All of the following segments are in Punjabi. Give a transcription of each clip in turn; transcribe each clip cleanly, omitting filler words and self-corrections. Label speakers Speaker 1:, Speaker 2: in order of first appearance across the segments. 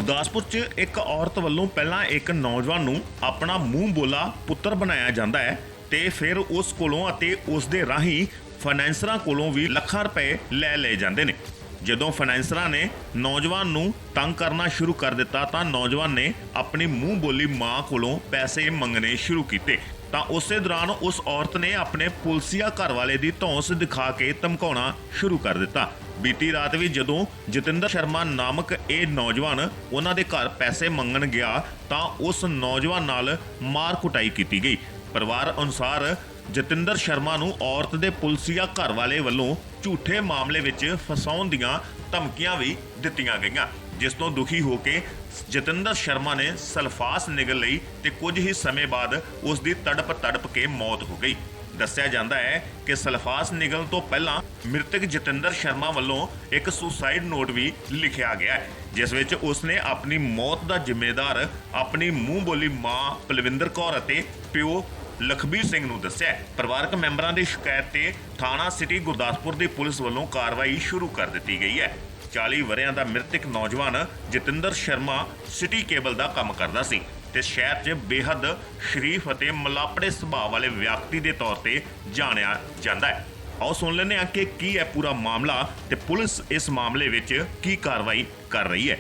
Speaker 1: ਗੁਰਦਾਸਪੁਰ 'ਚ ਇੱਕ ਔਰਤ ਵੱਲੋਂ ਪਹਿਲਾਂ ਇੱਕ ਨੌਜਵਾਨ ਨੂੰ ਆਪਣਾ ਮੂੰਹ ਬੋਲਾ ਪੁੱਤਰ ਬਣਾਇਆ ਜਾਂਦਾ ਹੈ ਤੇ ਫਿਰ ਉਸ ਕੋਲੋਂ ਅਤੇ ਉਸ ਦੇ ਰਾਹੀਂ ਫਾਈਨੈਂਸਰਾਂ ਕੋਲੋਂ ਵੀ ਲੱਖਾਂ ਰੁਪਏ ਲੈ ਲਏ ਜਾਂਦੇ ਨੇ। ਜਦੋਂ ਫਾਈਨੈਂਸਰਾਂ ਨੇ ਨੌਜਵਾਨ ਨੂੰ ਤੰਗ ਕਰਨਾ ਸ਼ੁਰੂ ਕਰ ਦਿੱਤਾ ਤਾਂ ਨੌਜਵਾਨ ਨੇ ਆਪਣੀ ਮੂੰਹ ਬੋਲੀ ਮਾਂ ਕੋਲੋਂ ਪੈਸੇ ਮੰਗਣੇ ਸ਼ੁਰੂ ਕੀਤੇ ਤਾਂ ਉਸੇ ਦੌਰਾਨ ਉਸ ਔਰਤ ਨੇ ਆਪਣੇ ਪੁਲਸੀਆ ਘਰਵਾਲੇ ਦੀ ਧੌਂਸ ਦਿਖਾ ਕੇ ਧਮਕਾਉਣਾ ਸ਼ੁਰੂ ਕਰ ਦਿੱਤਾ। ਬੀਤੀ ਰਾਤ ਵੀ ਜਦੋਂ ਜਤਿੰਦਰ ਸ਼ਰਮਾ ਨਾਮਕ ਇਹ ਨੌਜਵਾਨ ਉਹਨਾਂ ਦੇ ਘਰ ਪੈਸੇ ਮੰਗਣ ਗਿਆ ਤਾਂ ਉਸ ਨੌਜਵਾਨ ਨਾਲ ਮਾਰ ਕੁਟਾਈ ਕੀਤੀ ਗਈ। ਪਰਿਵਾਰ ਅਨੁਸਾਰ ਜਤਿੰਦਰ ਸ਼ਰਮਾ ਨੂੰ ਔਰਤ ਦੇ ਪੁਲਸੀਆ ਘਰਵਾਲੇ ਵੱਲੋਂ ਝੂਠੇ ਮਾਮਲੇ ਵਿੱਚ ਫਸਾਉਣ ਦੀਆਂ ਧਮਕੀਆਂ ਵੀ ਦਿੱਤੀਆਂ ਗਈਆਂ, ਜਿਸ ਤੋਂ ਦੁਖੀ ਹੋ ਕੇ ਜਤਿੰਦਰ ਸ਼ਰਮਾ ਨੇ ਸਲਫਾਸ ਨਿਗਲ ਲਈ ਤੇ ਕੁਝ ਹੀ ਸਮੇਂ ਬਾਅਦ ਉਸ ਦੀ ਤੜਪ ਕੇ ਮੌਤ ਹੋ ਗਈ। ਦੱਸਿਆ ਜਾਂਦਾ ਹੈ ਕਿ ਸਲਫਾਸ ਨਿਗਲਣ ਤੋਂ ਪਹਿਲਾਂ ਮ੍ਰਿਤਕ ਜਤਿੰਦਰ ਸ਼ਰਮਾ ਵੱਲੋਂ ਇੱਕ ਸੁਸਾਈਡ ਨੋਟ ਵੀ ਲਿਖਿਆ ਗਿਆ ਹੈ, ਜਿਸ ਵਿੱਚ ਉਸਨੇ ਆਪਣੀ ਮੌਤ ਦਾ ਜ਼ਿੰਮੇਦਾਰ ਆਪਣੀ ਮੂੰਹ ਬੋਲੀ ਮਾਂ ਪਲਵਿੰਦਰ ਕੌਰ ਅਤੇ ਪਿਓ ਲਖਬੀਰ ਸਿੰਘ ਨੂੰ ਦੱਸਿਆ। ਪਰਿਵਾਰਕ ਮੈਂਬਰਾਂ ਦੀ ਸ਼ਿਕਾਇਤ ਤੇ ਥਾਣਾ ਸਿਟੀ ਗੁਰਦਾਸਪੁਰ ਦੀ ਪੁਲਿਸ ਵੱਲੋਂ ਕਾਰਵਾਈ ਸ਼ੁਰੂ ਕਰ ਦਿੱਤੀ ਗਈ ਹੈ। 40 ਵਰ੍ਹਿਆਂ ਦਾ ਮ੍ਰਿਤਕ ਨੌਜਵਾਨ ਜਤਿੰਦਰ ਸ਼ਰਮਾ ਸਿਟੀ ਕੇਬਲ ਦਾ ਕੰਮ ਕਰਦਾ ਸੀ ਤੇ ਸ਼ਹਿਰ 'ਚ ਬੇਹੱਦ ਸ਼ਰੀਫ ਅਤੇ ਮਲਾਪੜੇ ਸੁਭਾਅ ਵਾਲੇ ਵਿਅਕਤੀ ਦੇ ਤੌਰ ਤੇ ਜਾਣਿਆ ਜਾਂਦਾ ਹੈ। ਆਓ ਸੁਣ ਲੈਂਦੇ ਹਾਂ ਕਿ ਕੀ ਹੈ ਪੂਰਾ ਮਾਮਲਾ ਤੇ ਪੁਲਿਸ ਇਸ ਮਾਮਲੇ ਵਿੱਚ ਕੀ ਕਾਰਵਾਈ ਕਰ ਰਹੀ ਹੈ।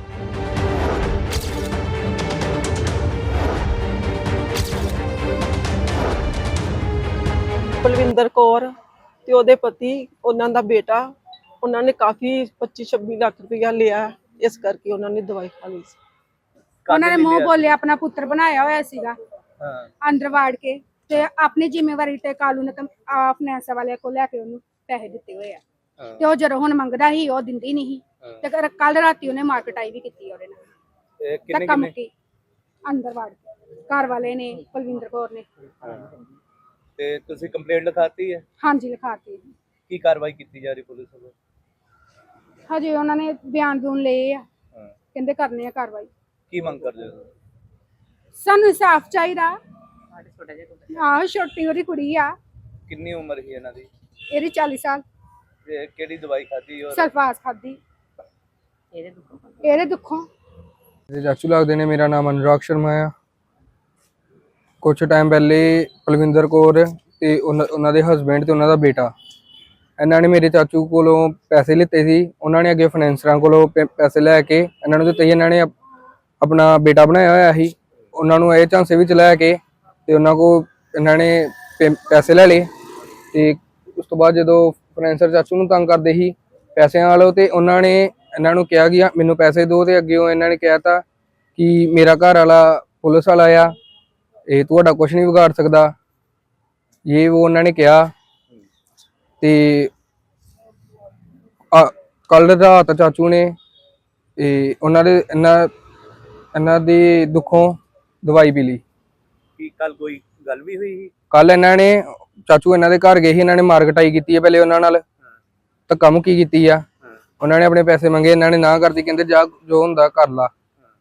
Speaker 2: ਪਲਵਿੰਦਰ ਕੌਰ ਤੇ ਉਹਦੇ ਪਤੀ ਉਹਨਾਂ ਦਾ ਬੇਟਾ, ਉਹਨਾਂ ਨੇ ਕਾਫੀ 25-26 ਲੱਖ ਰੁਪਇਆ ਲਿਆ, ਇਸ ਕਰਕੇ ਉਹਨਾਂ ਨੇ ਦਵਾਈ ਖਾ ਲਈ ਸੀ।
Speaker 3: ਉਹਨਾਂ ਨੇ ਮੂੰਹ ਬੋਲਿਆ ਆਪਣਾ ਪੁੱਤਰ ਬਣਾਇਆ ਹੋਇਆ ਸੀਗਾ ਅੰਦਰ ਵਾੜ ਕੇ ਤੇ ਆਪਣੀ ਜ਼ਿੰਮੇਵਾਰੀ ਤੇ ਕਾਲੂ ਨੇ ਫਾਈਨੈਂਸ ਵਾਲਿਆਂ ਕੋਲ ਲੈ ਕੇ ਉਹਨੂੰ ਪੈਸੇ ਦਿੱਤੇ ਹੋਏ ਆ ਤੇ ਉਹ ਜਦੋਂ ਹੁਣ ਮੰਗਦਾ ਸੀ ਉਹ ਦਿੰਦੀ ਨਹੀਂ ਤੇ ਕੱਲ ਰਾਤੀ ਉਹਨੇ ਮਾਰਕਟਾਈ ਵੀ ਕੀਤੀ ਉਹਦੇ ਨਾਲ। ਧੱਕਾ ਮੁੱਕੀ ਅੰਦਰ ਵਾੜ ਕੇ ਘਰ ਵਾਲੇ ਨੇ, ਪਲਵਿੰਦਰ ਕੌਰ ਨੇ।
Speaker 4: ਤੇ ਤੁਸੀਂ ਕੰਪਲੇਂਟ ਲਿਖਾਤੀ ਹੈ?
Speaker 3: ਹਾਂਜੀ ਲਿਖਾਤੀ।
Speaker 4: ਕੀ ਕਾਰਵਾਈ ਕੀਤੀ ਜਾ ਰਹੀ ਪੁਲਿਸ ਵੱਲੋਂ?
Speaker 3: ਹਜੇ ਉਹਨਾਂ ਨੇ ਬਿਆਨ ਲਏ ਆ, ਕਹਿੰਦੇ ਕਰਨੇ ਆ ਕਾਰਵਾਈ।
Speaker 4: ਕੀ ਮੰਗ ਕਰਦੇ ਹੋ?
Speaker 3: ਸਾਨੂੰ ਇਨਸਾਫ ਚਾਹੀਦਾ। ਆਹ ਛੋਟੀ ਉਹਦੀ ਕੁੜੀ ਆ।
Speaker 4: ਕਿੰਨੀ ਉਮਰ ਸੀ ਇਹਨਾਂ ਦੀ?
Speaker 3: ਇਹਦੀ 40 ਸਾਲ।
Speaker 4: ਤੇ ਕਿਹੜੀ ਦਵਾਈ ਖਾਧੀ? ਔਰ
Speaker 3: ਸਲਫਾਸ ਖਾਧੀ ਇਹਦੇ ਦੁੱਖੋਂ।
Speaker 5: ਚਾਚੂ ਲੱਗਦੇ ਨੇ। ਮੇਰਾ ਨਾਮ ਅਨੁਰਾਗ ਸ਼ਰਮਾ ਆ। ਕੁਛ ਟਾਈਮ ਪਹਿਲੇ ਪਲਵਿੰਦਰ ਕੌਰ ਤੇ ਉਹਨਾਂ ਦੇ ਹਸਬੈਂਡ ਤੇ ਉਹਨਾਂ ਦਾ ਬੇਟਾ, ਇਹਨਾਂ ਨੇ ਮੇਰੇ ਚਾਚੂ ਕੋਲੋਂ ਪੈਸੇ ਲਿੱਤੇ ਸੀ। ਉਹਨਾਂ ਨੇ ਅੱਗੇ ਫਾਈਨੈਂਸਰਾਂ ਕੋਲੋਂ ਪੈਸੇ ਲੈ ਕੇ ਇਹਨਾਂ ਨੂੰ ਦਿੱਤੇ। ਇਹਨਾਂ ਨੇ ਆਪਣਾ ਬੇਟਾ ਬਣਾਇਆ ਹੋਇਆ ਸੀ, ਉਹਨਾਂ ਨੂੰ ਇਹ ਝਾਂਸੇ ਵਿੱਚ ਲੈ ਕੇ ਤੇ ਉਹਨਾਂ ਕੋਲ ਇਹਨਾਂ ਨੇ ਪੈਸੇ ਲੈ ਲਏ। ਤੇ ਉਸ ਤੋਂ ਬਾਅਦ ਜਦੋਂ ਫਾਈਨੈਂਸਰ ਚਾਚੂ ਨੂੰ ਤੰਗ ਕਰਦੇ ਸੀ ਪੈਸਿਆਂ ਵਾਲੋ ਤੇ ਉਹਨਾਂ ਨੇ ਇਹਨਾਂ ਨੂੰ ਕਿਹਾ ਕਿ ਮੈਨੂੰ ਪੈਸੇ ਦਿਓ ਤੇ ਅੱਗੇ ਇਹਨਾਂ ਨੇ ਕਿਹਾ ਤਾ ਕਿ ਮੇਰਾ ਘਰ ਵਾਲਾ ਪੁਲਿਸ ਵਾਲਾ ਆ, ਇਹ ਤੁਹਾਡਾ ਕੁਝ ਨਹੀਂ ਵਿਗਾੜ ਸਕਦਾ, ਇਹ ਉਹ ਉਹਨਾਂ ਨੇ ਕਿਹਾ। ਤੇ ਕੱਲ ਰਾਤ ਚਾਚੂ ਨੇ ਉਹਨਾਂ ਦੇ ਇਹਨਾਂ ਦੀ ਦੁੱਖੋਂ ਦਵਾਈ ਪੀ ਲਈ।
Speaker 4: ਕੀ ਕੱਲ ਕੋਈ ਗੱਲ ਵੀ ਹੋਈ ਸੀ?
Speaker 5: ਕੱਲ ਇਹਨਾਂ ਨੇ ਚਾਚੂ ਇਹਨਾਂ ਦੇ ਘਰ ਗਏ ਸੀ, ਇਹਨਾਂ ਨੇ ਮਾਰਕਟਾਈ ਕੀਤੀ ਹੈ ਪਹਿਲੇ ਉਹਨਾਂ ਨਾਲ, ਧੱਕਾ ਮੁੱਕੀ ਕੀਤੀ ਆ। ਉਹਨਾਂ ਨੇ ਆਪਣੇ ਪੈਸੇ ਮੰਗੇ, ਇਹਨਾਂ ਨੇ ਨਾ ਕਰਦੀ, ਕਹਿੰਦੇ ਜਾ ਜੋ ਹੁੰਦਾ ਕਰ ਲਾ।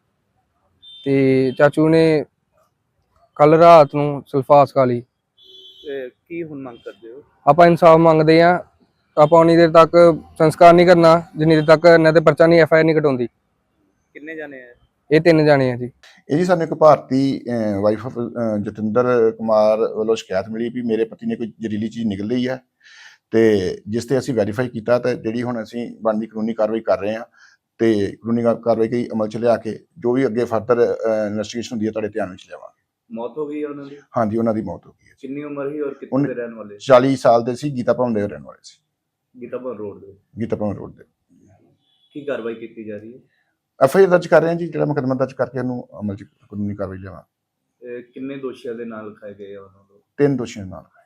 Speaker 5: ਤੇ ਚਾਚੂ ਨੇ ਕੱਲ ਰਾਤ ਨੂੰ ਸਲਫਾਸ ਖਾ ਲਈ।
Speaker 4: ਕੀ ਹੁਣ ਮੰਗ ਕਰਦੇ ਹੋ?
Speaker 5: ਆਪਾਂ ਇਨਸਾਫ ਮੰਗਦੇ ਆ। ਆਪਾਂ ਉਨੀ ਦੇਰ ਤੱਕ ਸੰਸਕਾਰ ਨਹੀਂ ਕਰਨਾ ਜਿੰਨੀ ਦੇਰ ਤੱਕ ਇਹਨਾਂ ਤੇ ਪਰਚਾ ਨਹੀਂ FIR ਨਹੀਂ ਕਟਾਉਂਦੀ।
Speaker 4: ਕਿੰਨੇ ਜਾਣੇ ਆ
Speaker 5: ਇਹ 3 ਜਾਣੇ ਆ ਜੀ।
Speaker 6: ਇਹ ਜੀ ਸਾਨੂੰ ਇੱਕ ਭਾਰਤੀ ਵਾਈਫ ਆਫ ਜਤਿੰਦਰ ਕੁਮਾਰ ਵੱਲੋਂ ਸ਼ਿਕਾਇਤ ਮਿਲੀ ਵੀ ਮੇਰੇ ਪਤੀ ਨੇ ਕੋਈ ਜ਼ਹਿਰੀਲੀ ਚੀਜ਼ ਨਿਕਲ ਲਈ ਹੈ, ਤੇ ਜਿਸ ਤੇ ਅਸੀਂ ਵੈਰੀਫਾਈ ਕੀਤਾ ਤੇ ਜਿਹੜੀ ਹੁਣ ਅਸੀਂ ਬਣਦੀ ਕਾਨੂੰਨੀ ਕਾਰਵਾਈ ਕਰ ਰਹੇ ਹਾਂ ਤੇ ਕਾਨੂੰਨੀ ਕਾਰਵਾਈ ਕਈ ਅਮਲ ਚ ਲਿਆ ਕੇ ਜੋ ਵੀ ਅੱਗੇ ਫਰਦਰ ਇਨਵੈਸਟੀਗੇਸ਼ਨ ਹੁੰਦੀ ਹੈ ਤੁਹਾਡੇ ਧਿਆਨ ਵਿੱਚ ਲਿਆਵਾਂਗੇ।
Speaker 4: ਮੌਤ ਹੋ ਗਈ ਉਹਨਾਂ ਦੀ?
Speaker 6: ਹਾਂਜੀ, ਉਹਨਾਂ ਦੀ ਮੌਤ ਹੋ ਗਈ ਹੈ।
Speaker 4: ਕਿੰਨੀ ਉਮਰ ਸੀ ਔਰ ਕਿੱਥੇ ਦੇ ਰਹਿਣ ਵਾਲੇ?
Speaker 6: 40 ਸਾਲ ਦੇ ਸੀ, ਗੀਤਾ ਭਵਨ ਦੇ ਰਹਿਣ ਵਾਲੇ ਸੀ।
Speaker 4: ਗੀਤਾ ਭਵਨ ਰੋਡ ਦੇ?
Speaker 6: ਗੀਤਾ ਭਵਨ ਰੋਡ ਦੇ।
Speaker 4: ਕੀ ਕਾਰਵਾਈ ਕੀਤੀ ਜਾ ਰਹੀ ਹੈ?
Speaker 6: FIR ਦਰਜ ਕਰ ਰਹੇ ਹਾਂ ਜੀ, ਜਿਹੜਾ ਮੁਕੱਦਮਾ ਦਰਜ ਕਰਕੇ ਉਹਨੂੰ ਅਮਲ ਚ ਕਾਨੂੰਨੀ ਕਾਰਵਾਈ ਲਿਆਵਾਂ।
Speaker 4: ਕਿੰਨੇ ਦੋਸ਼ੀਆਂ ਦੇ ਨਾਲ ਲਿਖਾਏ ਗਏ ਆ ਉਹਨਾਂ ਨੂੰ?
Speaker 6: 3 ਦੋਸ਼ੀਆਂ ਨਾਲ।